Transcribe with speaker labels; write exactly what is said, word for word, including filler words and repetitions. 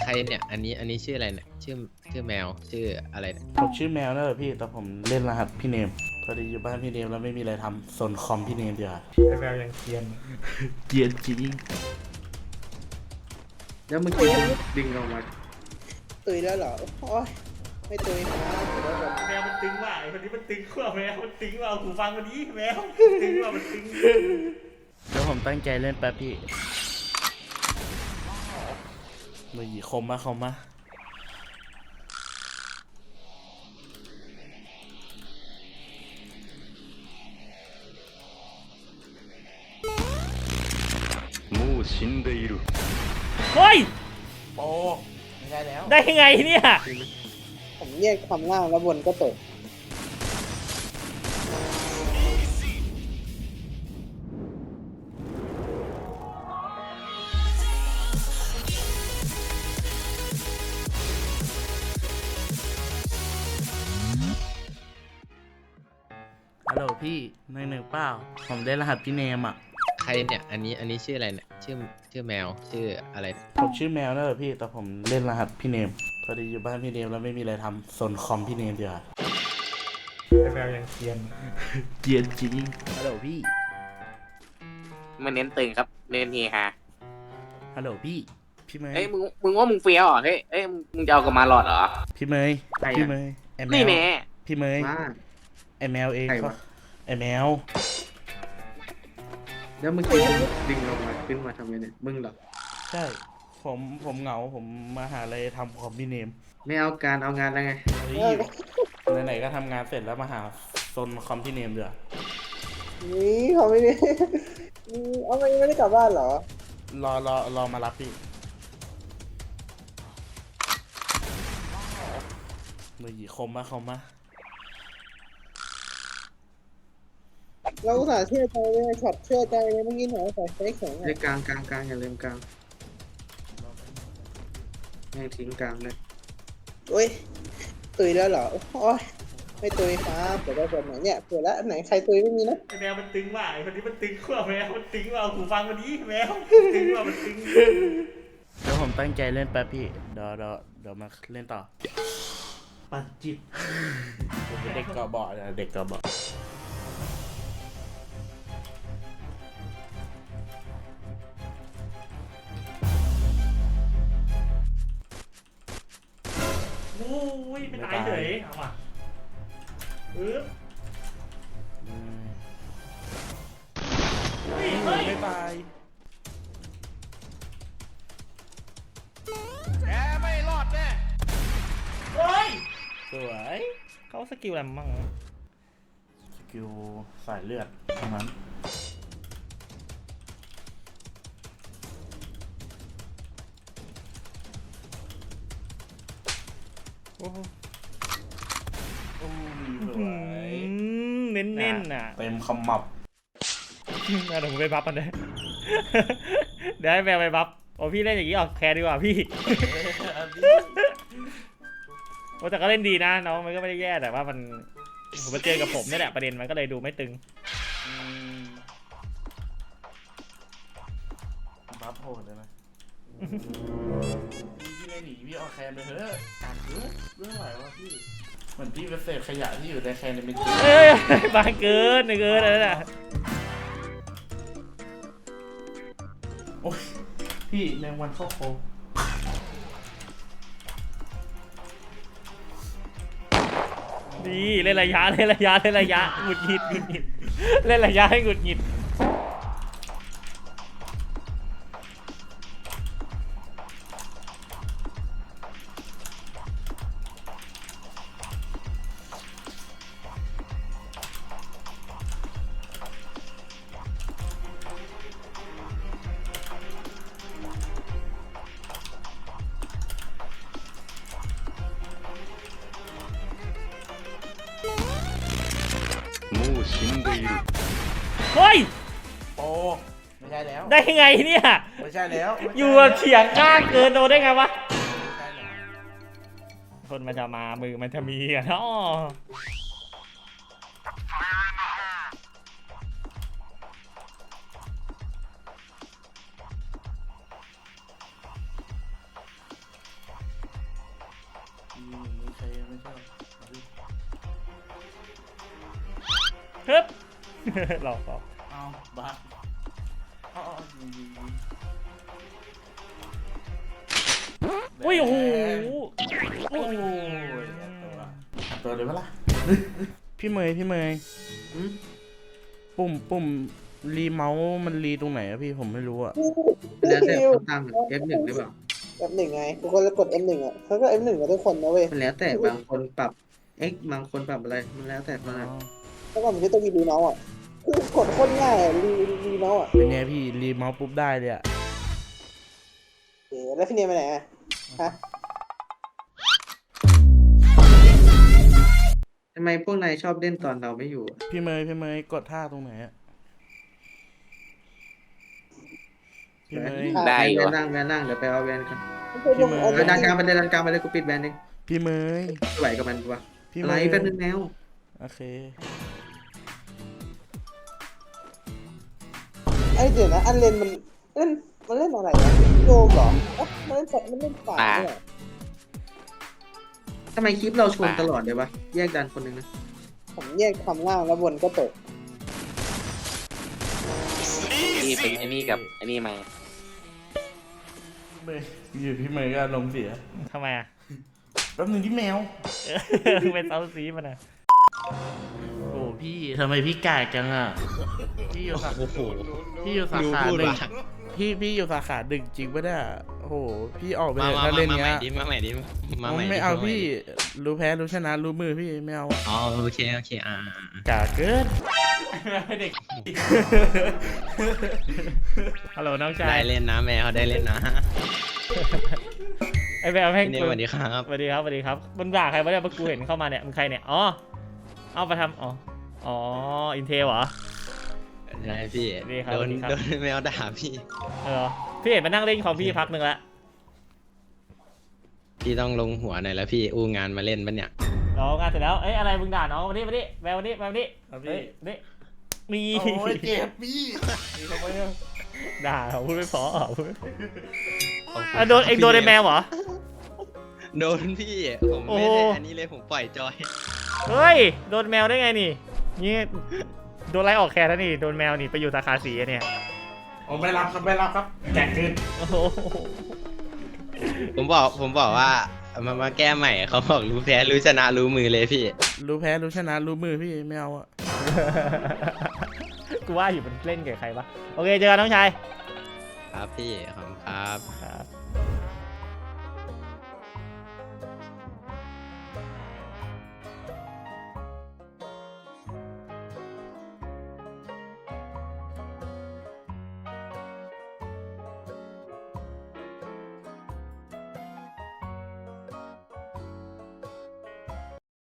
Speaker 1: รเนี่ยอันนี้อันนี้ชื่ออะไรเนี่ยชื่อชื่อแมวชื่ออะไรเนี่ย
Speaker 2: ผมชื่อแมวนะเหรอพี่แต่ผมเล่นรหัสพี่เนมพอดีอยู่บ้านพี่เนมแล้วไม่มีอะไรทำสนคอมพี่เนมเดียวา
Speaker 3: ไอแมวยังเกรียน
Speaker 2: เกรียนจริง
Speaker 3: แล้วเมื่อกี้ดึงออกมา
Speaker 4: ตุยแล้วเหรอโอ้ยไม่ตุยนะเดี๋ยวก่อน
Speaker 3: แมวมันตึงว่ะไอคนนี้มันตึงกว่าแมวมันตึงว่าหูฟังคนนี้แมวตึงว่ามันตึง
Speaker 2: เดี๋ยวผมตั้งใจเล่นแป๊บพี่มือหยีคมมาคมมา
Speaker 5: もう死んでいる
Speaker 6: เฮ้ย
Speaker 2: โอ้ไม่ได้แล้ว
Speaker 6: ได้ยังไงเนี่ย
Speaker 4: ผมเรียกคำล่างแล้วบนก็ตก
Speaker 2: ฮัลโหลพี่หนึ่งหนึ่งเปล่าผมได้รหัสพี่เนมอ่ะ
Speaker 1: ใครเนี่ยอันนี้อันนี้ชื่ออะไรเนี่ยชื่อชื่อแมวชื่ออะไรเนี่ย
Speaker 2: ผมชื่อแมวนะเหรอพี่แต่ผมเล่นรหัสพี่เนมพอดีอยู่บ้านพี่เนมแล้วไม่มีอะไรทำสนคอมพี่เนมเดียวา
Speaker 3: ไอแมวยังเกรียน
Speaker 2: เกรียนจริงฮัลโหลพี่
Speaker 7: มันเน้นตึงครับเน้นเฮฮา
Speaker 2: ฮัลโหลพี่พี่เมย์
Speaker 7: เอ้ยมึงมึงว่ามึงเฟี้ยวเหรอเฮ้ยเอ้ยมึงมึงจะเอากับมาหลอดเหรอ
Speaker 2: พี่เมย์พี่เมย์ไอแม
Speaker 7: นี่
Speaker 2: ว
Speaker 7: แน่
Speaker 2: พี่เมย์
Speaker 3: มา
Speaker 2: ไอแมวเอง
Speaker 3: ใคร
Speaker 2: เขา
Speaker 3: วะ
Speaker 2: ไอแมว
Speaker 3: แล้วเมื่อกี้ดึงออกมาขึ้นมาทำไมเนี่ยมึงเหรอ
Speaker 2: ใช่ผมผมเหงาผมมาหาอะไรทำคอมพี่เนม
Speaker 3: ไม่เอาการเอางานแล้วไง
Speaker 2: เฮ้ยไหนๆก็ทำงานเสร็จแล้วมาหาซนคอมพี่เนมเดือ
Speaker 4: นี่เขาไม่ได้อืมเอาไม่ไม่ได้กลับบ้านเหรอ
Speaker 2: รอรอรอมารับพี่มือหยีคมมาคมมา
Speaker 4: เราอุตส่าห์เชื่อใจเลยช็อตเชื่อใจเลยเมื่อกี้หนูใส่ไฟแข็ง
Speaker 3: เล่
Speaker 4: อะ
Speaker 3: นกลางกลางกลางอย่าลืมกลางแม่งทิ้งกลางเลย
Speaker 4: โอ้ยตุยแล้วเหรอโอ้ยไม่ตุยครับเดี๋ยวเราเปิดไหนเนี่ยเปิดแล้วไหนใครตุยไม่มีนะ
Speaker 3: ไอแมวมันตึงว่ะไอคนนี้มันตึงกว่าแมวมันตึงว่าหูฟังคนนี้แมวตึงว่ามันตึง
Speaker 2: เดี๋ยวผมตั้งใจเล่นแป๊บพี่เดี๋ยวเดี๋ยวเดี๋ยวมาเล่นต่อ
Speaker 3: ปัดจิต
Speaker 2: ผมเป็นเด็กกอบอนะเด็กกอบอ
Speaker 3: โอ้ยไม่ตายเฉยเอามาปึ๊บ
Speaker 2: อืม
Speaker 3: เฮ้ยเฮ้ย
Speaker 2: ไม่ตาย
Speaker 3: เฮ้ย
Speaker 2: สวย
Speaker 6: เขาสกิลอะไรมั่ง
Speaker 2: สกิลสายเลือดเท่านั้น
Speaker 6: โอ้โห
Speaker 2: โอ้ยส
Speaker 6: อื
Speaker 2: วย
Speaker 6: มเน้นๆน่ะ
Speaker 2: เต็มคำมับ
Speaker 6: เดี๋ยวผมไปบัฟมันเลยเดี๋ยวให้แมวไปบัฟโอ้พี่เล่นอย่างนี้ออกแคร์ดีกว่าพี่โอ้แต่ก็เล่นดีนะน้องมันก็ไม่ได้แย่แต่ว่ามันผมมาเจอกับผมนี่แหละประเด็นมันก็เลยดูไม่ตึง
Speaker 2: อืมบัฟโหดเลยนะพี่ไม่หนีพี่เอาแคนไปเถอะการเยอะเรื่องอะไรวะพี่เหมือนพี่เป็นเศษขยะที่อยู่ในแคนในเมน
Speaker 6: เอ้ยบางเกินเกินอะไรน่ะ
Speaker 2: โอ้ยพี่แมงวันเข้าโคง
Speaker 6: นี่เล่นระยะเล่นระยะเล่นระยะหงุดหงิดหงุดหงิดเล่นระยะให้หงุดหงิด
Speaker 5: もう死んでいる
Speaker 6: เฮ้ย
Speaker 2: โอ้ไม่ใช่แล้ว
Speaker 6: ได้ยังไงเนี่ย
Speaker 2: ไม่ใช่แล้วไม่ใช่
Speaker 6: อยู่แบบเฉียงข้างเกินโดนได้ไงวะ
Speaker 2: ไม่ใช่แล้ว
Speaker 6: คนมันจะมามือมันจะมีอ่ะเนาะฮึบ หลอกหลอก
Speaker 2: เอาบ้าเอาเอายิงยิงยิง
Speaker 6: อุ้ยโอ้โห
Speaker 2: โอ้ยอัดตัวเลยปะล่ะ
Speaker 8: พี่เมย์พี่เมย์ปุ่มปุ่มรีเมาส์มันรีตรงไหนอะพี่ผมไม่รู้อะ
Speaker 4: แล้วแต่ตั้ง เอฟ หนึ่ง หรือเปล่า เอฟ หนึ่ง ไงทุกคนจะกด เอฟ หนึ่ง อ่ะเขาก็ เอฟ หนึ่ง กับทุกคนนะเว้ย
Speaker 9: มันแล้วแต่บางคนปรับ X บางคนปรับอะไร มันแล้วแต่คนละ
Speaker 4: แล้วก็มันจะต้องมีรีเมาส์อ่ะคือกดโคตรง่ายอ่ะรีรีเมาส์อ่ะ
Speaker 8: เป็นไงพี่รีเมาส์ปุ๊บได้เลยอะ
Speaker 4: เอ๋แล้วพี่เนียไปไหนอ่ะฮะ
Speaker 9: ทำไมพวกนายชอบเล่นตอนเราไม่อยู่อะ
Speaker 8: พี่เมย์พี่เมย์กดท่าตรงไหนอะพี่เมย์
Speaker 7: ได้
Speaker 9: แว
Speaker 7: อยู่
Speaker 9: นนั่งแวนนั่งเดี๋ยวไปเอาแวนกัน
Speaker 8: พี่เมย์
Speaker 9: เออดันกลางไปเลยดันกลางไปเลยกูปิดแวนเอง
Speaker 8: พี่เมย์
Speaker 9: ไม่ไหวกับมันวะ
Speaker 8: พี่
Speaker 9: อะ
Speaker 8: เม
Speaker 9: ไร
Speaker 8: ย์
Speaker 9: แป๊บนึงแมว
Speaker 8: โอเค
Speaker 4: ไอเดี๋ยวนะอันเลนมันเล่นมันเล่นอะไรอ่ะโยมเหรอเอ๊ะมันเล่นมันเล่นป่าเนี่ย
Speaker 9: ทำไมคลิปเราชนตลอดเลยวะแยกดันคนหนึงนะ
Speaker 4: ผมแยกความล่างแล้วบนก็ตก
Speaker 7: นี่เป็นไอ้นี่กับไอ้นี่มา
Speaker 8: เมย์อยู่พี่เมย์ก็ลงเสีย
Speaker 6: ทำไมอ่ะ
Speaker 8: แป๊บนึงที่แมว
Speaker 6: เป็นเซาซีมันอ่ะ
Speaker 8: โอ้พี่ทำไมพี่กากจังอะพี่อยู่สา
Speaker 1: โอ้โห
Speaker 8: พี่อยู่สา
Speaker 1: ดู
Speaker 8: ขา
Speaker 1: พูด
Speaker 8: หนึ่ง
Speaker 1: ว่ะ
Speaker 8: พี่พี่อยู่สาขาดึกจริงปะเนี่ยโอ้โหพี่ออกไป
Speaker 1: มา
Speaker 8: เลย
Speaker 1: มา
Speaker 8: ถ้า
Speaker 1: มา
Speaker 8: เล่น
Speaker 1: มาใหม่
Speaker 8: เนี้ย
Speaker 1: ดิมาใหม่ดิมาใหม่ดิ
Speaker 8: ไม่เอา
Speaker 1: มาใหม่
Speaker 8: พี่
Speaker 1: ดิ
Speaker 8: รู้แพ้รู้ชนะรู้มือพี่ไม่เอา
Speaker 1: อ๋อโอเคโอเคอ่า
Speaker 8: กากเกิน
Speaker 6: เด็ก ฮัลโหลน้องชา
Speaker 1: ได้
Speaker 6: ย
Speaker 1: เล่นนะแมวได้เล่นนะ
Speaker 6: ไอ้แมวแม่ง
Speaker 1: พี่เนมสวัสดีครับ
Speaker 6: สวัสดีครับสวัสดีครับมึงด่าใครวะเนี่ยเมื่อกูเห็นเข้ามาเนี่ยมึงใครเนี่ย อ๋อ เอาไปทำอ๋อ อ๋อ อินเทลเหรอ
Speaker 1: ได้พี่
Speaker 6: ดีครับ
Speaker 1: โดน
Speaker 6: ดีครับ
Speaker 1: โดนแมวด่าพี่
Speaker 6: เออ พี่เห็นมานั่งเล่นคอมพี่พักหนึ่งละ
Speaker 1: พี่ต้องลงหัวหน่อยแล้วพี่อู้งานมาเล่นปะเนี่ย
Speaker 6: น้องงานเสร็จแล้ว เอ้ยอะไรมึงด่าน้องมาดิมาดิแมวมาดิแมวมาดิ
Speaker 8: ครับพี่
Speaker 6: เฮ้ยนี่มี
Speaker 8: โอ้ยเจ็บพี่
Speaker 6: ด่าเหรอพูดไม่พอเหรอพูดไม่พอ
Speaker 1: ขอบคุณ
Speaker 6: อ่ะโดนเองโดนไอ้แมวเหรอ
Speaker 1: โดนพี่ผม
Speaker 6: โอ้
Speaker 1: ไม่
Speaker 6: โห
Speaker 1: ได้อันนี้เลยผมปล่อยจอย
Speaker 6: เฮ้ย โดนแมวได้ไงนี่ นี่โดนไล่ออกแคร์แล้วนี่ โดนแมวนี่ไปอยู่สาขาสีอะเนี่ย
Speaker 8: ผมไม่รับครับไม่รับครับแจกคืน
Speaker 6: โอ้โห
Speaker 1: ผมบอกผมบอกว่ามามาแก้ใหม่เขาบอกรู้แพ้รู้ชนะรู้มือเลยพี่
Speaker 8: รู้แพ้รู้ชนะรู้มือพี่ไม่เอาอะ
Speaker 6: กูว่าอยู่มันเล่นกับใครปะโอเคเจอกันน้องชาย
Speaker 1: ครับพี่ขอบคุณครับ
Speaker 6: ครับ